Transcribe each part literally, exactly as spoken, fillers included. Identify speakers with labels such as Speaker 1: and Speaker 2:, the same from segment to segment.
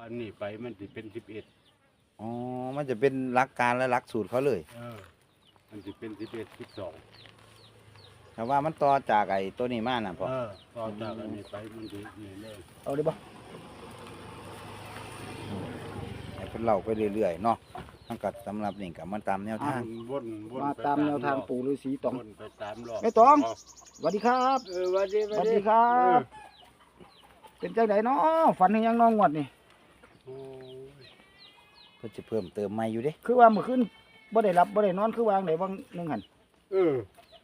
Speaker 1: อันนี้ไปมันจะเป็นสิบเอ็ด
Speaker 2: อ๋อมันจะเป็นหลักการและหลักสูตรเขาเลย
Speaker 1: เออมันจะเป็นสิบเอ็ดสิบสอง
Speaker 2: แต่ว่ามันต่อจากไอ้ตัวนี้มาน่ะพ่อ
Speaker 1: เออต่อจากอันนี้ไปมันจะนี่เลย
Speaker 3: เอาได้บ่
Speaker 2: ให้เพิ่นเล่าไปเรื่อยๆเนาะทั้งกัดสำหรับนี่กับมันตามแนวทาง
Speaker 1: วนวน
Speaker 3: มา
Speaker 1: ไป
Speaker 3: ตามแนวทางปู่ฤาษีตอง
Speaker 1: วนไปสามรอบ
Speaker 3: แม่ตอง สวัสดีครับ
Speaker 1: เออสวัสดี
Speaker 3: สวัสดีครับ เป็นจังไดเนาะฝันเห็นยังน้องงวดนี่
Speaker 1: โอ้ย
Speaker 2: เพิ่นจะเพิ่มเติมใหม่อยู่เด้
Speaker 3: คือว่าเมื่อคืนบ่ได้หลับบ่ได้นอนคือวางได้บางหนึงหั่น
Speaker 1: เออ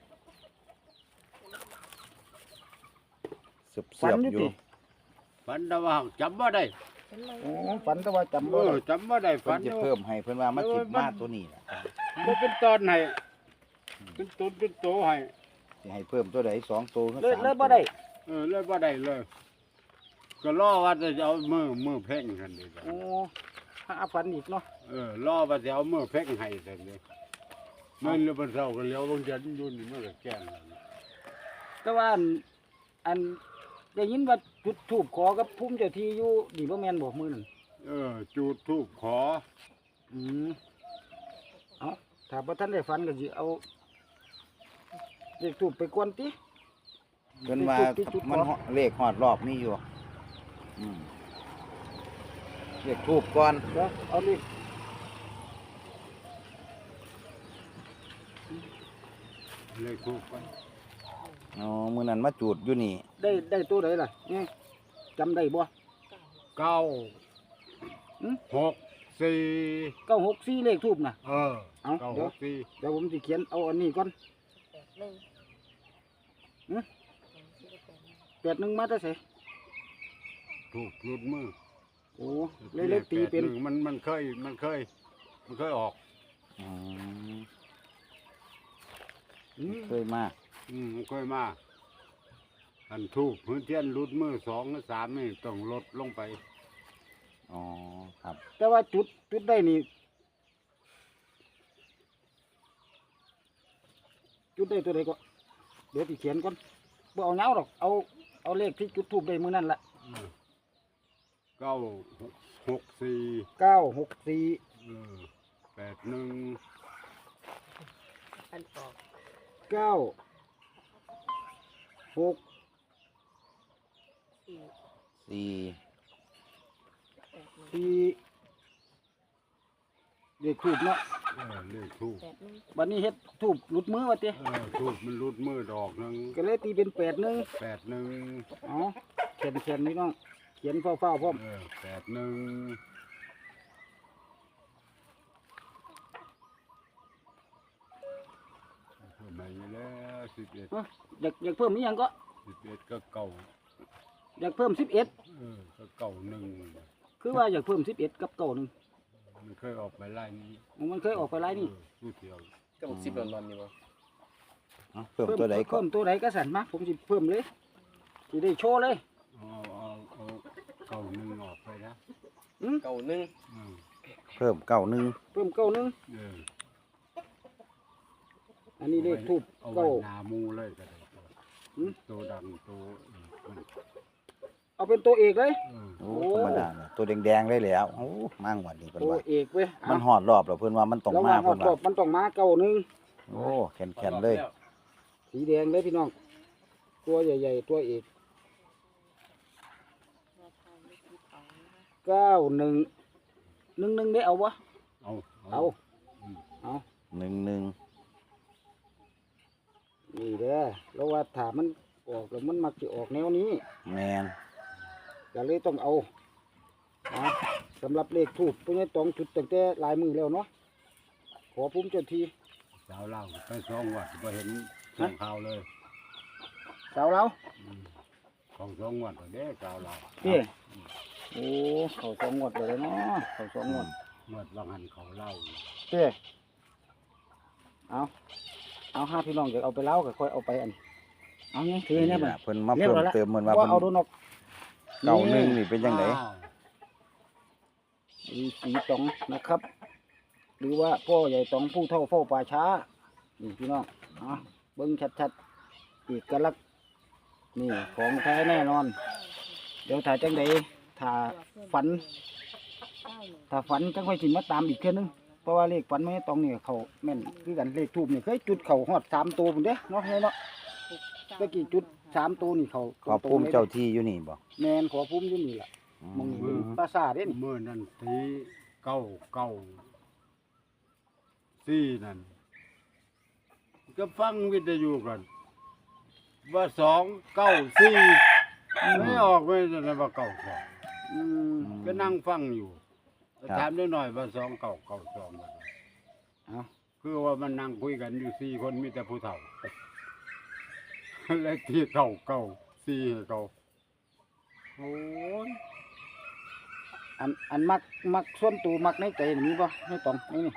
Speaker 2: เสือบ
Speaker 3: ฝัน
Speaker 2: ๆ
Speaker 3: อยู่
Speaker 2: อยู่
Speaker 3: ติ
Speaker 1: ฝันแต่ว่าจำบ่ได้
Speaker 3: โอ้ฝันแต่ว่าจำ
Speaker 1: เอ
Speaker 3: บ่
Speaker 1: อ
Speaker 3: ได้
Speaker 1: จำบ่ได้
Speaker 2: เพิ่
Speaker 1: ฝั
Speaker 2: น
Speaker 1: น
Speaker 2: จะเพิ่มให้เพิ่นว่ามันสิมาตัวนี้น่ะ
Speaker 1: บ่เป็นตอนให้เป็นต้นเป็นโตให้
Speaker 2: สิให้เพิ่มตัวใดสองตัวหรือ
Speaker 3: เลย
Speaker 2: สาม
Speaker 3: เลยบ่ได้
Speaker 1: เออเลยบ่ได้เลย ก็รอว่าจะเอามือมือเพ่งกันเลยจ้ะ
Speaker 3: โอ้หาฝันอีกเนาะ
Speaker 1: เออรอว่าจะเอามือเพ่งให้แต่เลยมันเลยบ่เศร้าก็เลี้ยวบางจันอยู่นี่มันก็แจ้งแล้วนะ
Speaker 3: แต่ว่าอันอันได้ยินว่าจุดธูปขอกับภูมิเจ้าที่อยู่นี่บ่แม่นบ่มื้อนั้น
Speaker 1: เออจูดทูบขอ
Speaker 3: อืมเอาถ้าบ่ทันได้ฝันก็สิเอาเลขธูปไปกวนติ
Speaker 2: เพิ่นว่า
Speaker 3: ที่จุด
Speaker 2: มัน
Speaker 3: ขอ
Speaker 2: เลขฮอดรอบมีอยู่อืมเลขทูบก่อน
Speaker 3: เดี๋ยวเอาเลข
Speaker 1: เลยทูบไป
Speaker 2: อ๋อมื้อนั้นมาจูดอยู่นี่
Speaker 3: ได้ได้ตัวใดล่ะเนี่ยจำได้บ่
Speaker 1: เก้า
Speaker 3: หืม
Speaker 1: หกสี่
Speaker 3: เก้าหกสี่เลขทูบน่ะ
Speaker 1: เออ
Speaker 3: เอา
Speaker 1: เก้า
Speaker 3: เดี๋
Speaker 1: ห
Speaker 3: ยว
Speaker 1: กสี่
Speaker 3: เดี๋ยวผมสิเขียนเอาอันนี้ก่อน
Speaker 4: หนึ่ง
Speaker 3: หืม แปดหนึ่งมาแต่ไส
Speaker 1: ทูบหลุดมือ
Speaker 3: โอ้เลยเลขตีเป็น
Speaker 1: แปดหงมันมันเคยมันเคย มันเคยออก
Speaker 2: อืม
Speaker 3: อืม
Speaker 2: เคยมา
Speaker 1: อืมมันเคยมาอันทูบพื้นเทียนหลุดมือสองหรือสามนี่ต้องลดลงไป
Speaker 2: อ๋อครับ
Speaker 3: แต่ว่าจุดจุดได้นี่จุดได้ตัวใดก็เดี๋ยวสิเขียนก่อนบ่เอาเงาหรอกเอาเอาเลขที่จุดทูบได้มื้อนั้นล่ะ
Speaker 1: อืมเก้าหกสี่
Speaker 3: เก้าหกสี่
Speaker 1: เออแปดหนึ่ง
Speaker 4: อันออก
Speaker 3: เก้าหก
Speaker 4: สี่
Speaker 2: สี่
Speaker 4: แปดหนึ่ง
Speaker 3: สี่เลขทูบเนาะ
Speaker 1: เออเลขทูบ
Speaker 4: แปดหนึ่ง
Speaker 3: บัดนี้เฮ็ดทูบหลุดมือว่าติ
Speaker 1: เออทูบมันหลุดมือดอกหนึ่ง
Speaker 3: ก็เลยตีเป็นแปดหนึ่ง
Speaker 1: แปดหนึ่ง
Speaker 3: อ๋อเขียนเขียนนี่น้องเขียนเฝ้าเฝ้าๆพร้อม
Speaker 1: เออแปดหนึ่งเพิ่มมาอยู่แล้วสิบเอ็ด
Speaker 3: เอ้ออยากอยากเพิ่มนี่ยังก็
Speaker 1: สิบเอ็ดก็เก่า
Speaker 3: อยากเพิ่มสิบเอ็ด
Speaker 1: เออก็เก่าหนึ่ง
Speaker 3: คือว่าอยากเพิ่มสิบเอ็ดกับเก่าหนึ่ง
Speaker 1: มันเคยออกไปไล่นี้
Speaker 3: มันเคยออกไปไล่นี่
Speaker 1: เออผู้เที่ยว
Speaker 5: ก็บอกสิบหลอนๆนี่บ่
Speaker 2: เอาเพิ่มตัวใดก่อ
Speaker 3: เพิ่
Speaker 2: น
Speaker 3: มตัวใดก็สั่นมาผมสิเพิ่มเลยสิได้โชว์เลย
Speaker 1: เอาเอาเอาเก่าหนึ่งออกไปนะ
Speaker 5: เก่าหนึ่ง
Speaker 1: อืม
Speaker 2: เพิ่มเก้าหนึ่ง
Speaker 3: เพิ่มเก้าหนึ่ง
Speaker 1: เออ
Speaker 3: อันนี้เลขทูบ
Speaker 1: เอาไว้
Speaker 3: เก้า
Speaker 1: หนามูเลยก็ได้
Speaker 3: อืม
Speaker 1: ตัวดังตัวอืมมัน
Speaker 3: เอาเป็นตัวเอกเลย
Speaker 1: เออ
Speaker 2: โอ้ธรรมดาเนี่ยตัวแดงๆเลยแหล้วโอ้มั่งวันนี้เพิ่น
Speaker 3: ตัว
Speaker 2: ว่า
Speaker 3: เอกเว้ย
Speaker 2: มันหอดรอบแล้วเพิ่นว่ามันต้อง
Speaker 3: แล้ว
Speaker 2: มา
Speaker 3: ว่า
Speaker 2: เพิ่น
Speaker 3: รอ
Speaker 2: ว่า
Speaker 3: บมันต้องมาเก้าหนึ่ง
Speaker 2: โอ้แข็งๆเลย
Speaker 3: สีแดงเลยพี่น้อง ตัวใหญ่ๆตัวเอก
Speaker 4: แนวทางเลขที่สองนะคะ
Speaker 3: เก้าหนึ่งหนึ่งหนึ่งได้เอาวะ
Speaker 1: เอา
Speaker 3: เอา
Speaker 1: อืม
Speaker 3: เอา
Speaker 2: หนึ่งหนึ่ง
Speaker 3: นี่เด้อแล้วว่าถ้ามันออกแล้วมันมักจะออกแนวนี้
Speaker 2: แมน
Speaker 3: ก็เลยต้องเอานะสำหรับเลขทูบพวกนี้ต้องจุดตั้งแต่ลายมือแล้วเนาะขอภูมิเจ้าที
Speaker 1: สาวเล่าไปสองวัดก็เห็นส่งข่าวเลย
Speaker 3: สาวเรา
Speaker 1: อืมของสองวัดเด้สาวเล่า
Speaker 3: พี่โอ้เขาสองงวดเลยเนาะเขาสองงวด
Speaker 1: เมื่อวังหันเขาเล่า
Speaker 3: พี่เอาเอาห้าพี่น้องจะเอาไปเล่าก็ค่อยเอาไปอันเอาไงถือเนี่ย
Speaker 2: นี่
Speaker 3: มัน
Speaker 2: ล่ะเพิ่นมาเพิ่มเติมเหมือนว่า
Speaker 3: ว่า
Speaker 2: เพิ่น
Speaker 3: เอาโดนออก
Speaker 2: เก้าหนึ่งนี่เป็นจังได
Speaker 1: อ้าว
Speaker 3: มีสีตองนะครับ หรือว่าพ่อใหญ่ตองผู้เท่าเฝ้าป่าช้านี่พี่น้องเอาเบิ้งชัดๆเอกลักษณ์นี่ของแท้แน่นอน เดี๋ยวถ่ายจังใดถ่าฝัน
Speaker 4: เก้าหนึ่ง
Speaker 3: ถ้าฝันจังค่อยสิมาตามอีกเทื่อนึงเพราะว่าเลขฝันไม่ตรงนี่เขาแม่นคือกันเลขทูบนี่เคยจุดเขาฮอดสามตัวพุ่นเด้เนาะเฮ้ยเนาะ
Speaker 4: หกเก้า
Speaker 3: ตะกี้จุดสามตัวนี่เขา
Speaker 2: ขอพุ่มเจ้าที่อยู่นี่บ่
Speaker 3: แม่นขอพุ่มอยู่นี่ล่ะมองนี่เป็นปราสาทเด้นี่
Speaker 1: เมื่อนั้นทีเก้าเก้าสี่นั่นก็ฟังวิทยุกัน ว่าสองเก้าสี่ไม่ออกไม่ได้ว่าเก้าสอง
Speaker 3: อืม
Speaker 1: ก็นั่งฟังอยู่ถามได้หน่อยว่าสองเก้าเก้าสอง
Speaker 3: เอา
Speaker 1: คือว่ามันนั่งคุยกันอยู่สี่คนมีแต่ผู้เฒ่า เลขที่เก้าเก้าสี่ให้เขาโอ้ย
Speaker 3: อันอันมักมักส่วนตัวมักในใจนี่มีบ่ในตองในนี่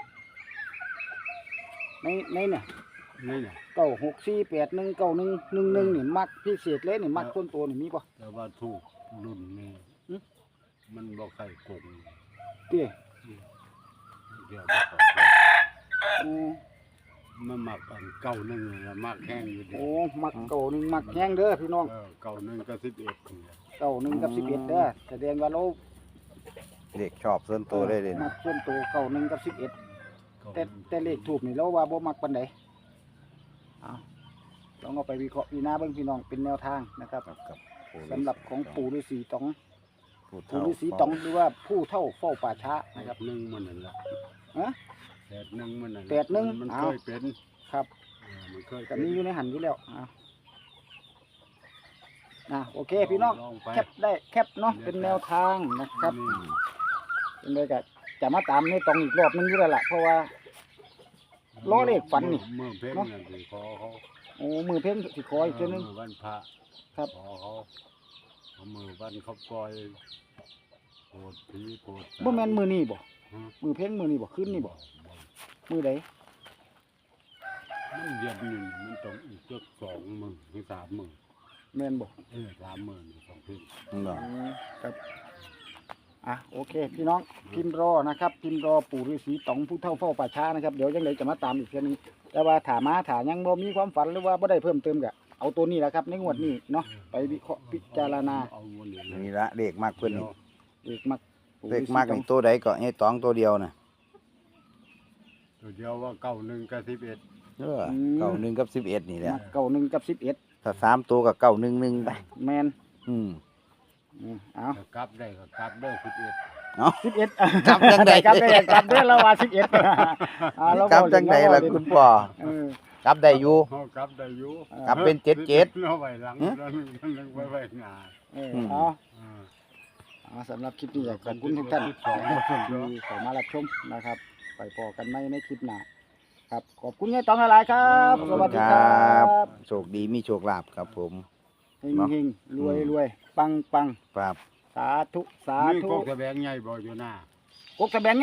Speaker 3: ในในเนี่ย
Speaker 1: นี่เนี่ย
Speaker 3: เก้าหกสี่แปดหนึ่งเก้าหนึ่งหนึ่งหนึ่งนี่มักพิเศษเลยนี่มักส่วนตัวนี่มีบ่
Speaker 1: แต่ว่าถูกรุ่นนี้
Speaker 3: หึ
Speaker 1: มันบอกใครโกง
Speaker 3: เตี้ย
Speaker 1: เดี๋ยวบ่ขอโทษ
Speaker 3: อืม
Speaker 1: มันมักอันเก้าหนึ่งแล้วมักแห้งอยู่ดี
Speaker 3: โอ้มักเก้าหนึ่งมักแห้งเด้อพี่น้อง
Speaker 1: เออเก้าหนึ่งก็สิบเอ็ดเนี่ย
Speaker 3: เก้าหนึ่งกับสิบเอ็ดเด้อแสดงว่าเรา
Speaker 2: เลขชอบส่วนตัวได้เลย
Speaker 3: มั
Speaker 2: นะ
Speaker 3: กส่วนตัวเก้าหนึ่งกับสิบเอ็ด
Speaker 1: เก้าห
Speaker 3: แต่
Speaker 1: นึ่ง
Speaker 3: แต่เลขถูกนี่เราว่าบ่มักปานใดเอาลองเอาไปวิเคราะห์พิจารณาเบิ่งพี่น้องเป็นแนวทางนะครับ
Speaker 2: ครับครับ
Speaker 3: สำหรับของปู่ฤาษีตอง
Speaker 2: ผู้
Speaker 3: ปู่
Speaker 2: เฒ่า
Speaker 3: ฤาษีตองหรือว่าผู้เท่าเฝ้าป่าช้า
Speaker 1: แป
Speaker 3: นะครับ
Speaker 1: ดหนึ่งมันนั่นแหละ
Speaker 3: ฮะ
Speaker 1: แปดหนึ่งมันนั่นแหละ
Speaker 3: แปดหนึ่ง
Speaker 1: มัน
Speaker 3: เอา
Speaker 1: เคยเป็น
Speaker 3: ครับ
Speaker 1: เออมันเคย
Speaker 3: กั
Speaker 1: เป็น
Speaker 3: นี้อยู่ในหันอยู่แล้วอ่ะอ่ะโอเคพี่น้อง
Speaker 1: ลไป
Speaker 3: แคปได้แคปเนาะเป็นแนวทางนะครับ
Speaker 1: นี่
Speaker 3: เป็นเลยก็จะมาตามในตองอีกรอบนึงอยู่แล้วล่ะเพราะว่า ล้อเลขฝันนี่
Speaker 1: เมื่อเพ่ง
Speaker 3: เนาะ
Speaker 1: นั่นสิขอเขา
Speaker 3: โอ้มือเพ่งสิขออีกเทีนึง
Speaker 1: เมื่อวันพระ
Speaker 3: ครับ
Speaker 1: ขอเขาเอามือวันเขาปล่อยโปรดผีโปรด
Speaker 3: บ่แม่นมือนี่บ่
Speaker 1: ฮะ
Speaker 3: มือเพ่งมือนี่บ่ขึ้นนี่บ่
Speaker 1: บ่
Speaker 3: มือใด
Speaker 1: มันเดือนหนึ่งมันต้องอีกจักสองหมื่นถึงสามหมื่น
Speaker 3: แม่นบ่
Speaker 1: เออสามหมื่นสองเพ่ง
Speaker 2: เนาะ
Speaker 3: อืมครับอ่ะโอเค พี่น้องพิมพ์รอนะครับ พิมพ์รอปู่ฤาษีตองผู้เฒ่าเฝ้าป่าช้านะครับเดี๋ยวยังไงจะมาตามอีกเทีนึงแต่ว่าถามาถายังบ่มีความฝันหรือว่าบ่ได้เพิ่มเติมก็เอาตัวนี้แหละครับในงวดนี้เนาะไปวิเคราะห์พิจารณา
Speaker 1: เอาวันนี้เลย
Speaker 2: นี่ละเลขมากเพิ่นนี่
Speaker 3: เลขมักปู่
Speaker 2: เล
Speaker 3: ฤา
Speaker 2: ข
Speaker 3: ษี
Speaker 2: มาก
Speaker 3: ตอง
Speaker 2: นี่ตัวใดก็ให้ตองตัวเดียวน่ะ
Speaker 1: ตัวเดียวว่าเก้าหนึ่งกับสิบเอ็ด
Speaker 2: เออเก้าหนึ่งกับสิบเอ็ดนี่แหละ
Speaker 3: มักเก้าหนึ่งกับสิบเอ็ด
Speaker 2: ถ้าสามตัวกับเก้าหนึ่งหนึ่งไป
Speaker 3: แมน
Speaker 2: อืม
Speaker 3: อืมเอา
Speaker 1: จะกลับได้ก็กลับเด้อสิบเอ็ด
Speaker 3: สิบเอ็ด
Speaker 2: กลับจังใด
Speaker 3: กลับได้กลับได้แล้วว่าสิบเอ็ดอ่าเรา
Speaker 2: กลับ
Speaker 3: เว้า
Speaker 2: จังใดล่ะ
Speaker 3: เล่น
Speaker 2: คุณพ่อ
Speaker 3: เออก
Speaker 2: ลับได้อยู่
Speaker 1: เขากลับได้อยู่
Speaker 2: กลับเป็นเจ็ดเจ็ด
Speaker 1: เอาไว้หลัง
Speaker 2: หึ
Speaker 1: แล้วนึงไว้ไว้หน้า
Speaker 3: เออ
Speaker 2: อืม
Speaker 3: เอา
Speaker 1: เออ
Speaker 3: เอาสำหรับคลิปนี้อยากขอบคุณทุกท่าน
Speaker 1: สิบสองเปอร์เซ็นต์
Speaker 3: ที่เข้ามารับชมนะครับ ไปพอกันไหมในคลิปหน้าครับขอบคุณยายตองหลายๆครับสวัสดีครับ
Speaker 2: โชคดีมีโชคลาภครับผม
Speaker 3: เฮงเฮงรวยรวยปังปัง
Speaker 2: ครับ
Speaker 3: สาธุสา
Speaker 1: มี
Speaker 3: ธุ
Speaker 1: กกแสบงใหญ่บ่อยู่หน้า
Speaker 3: กกสะแบง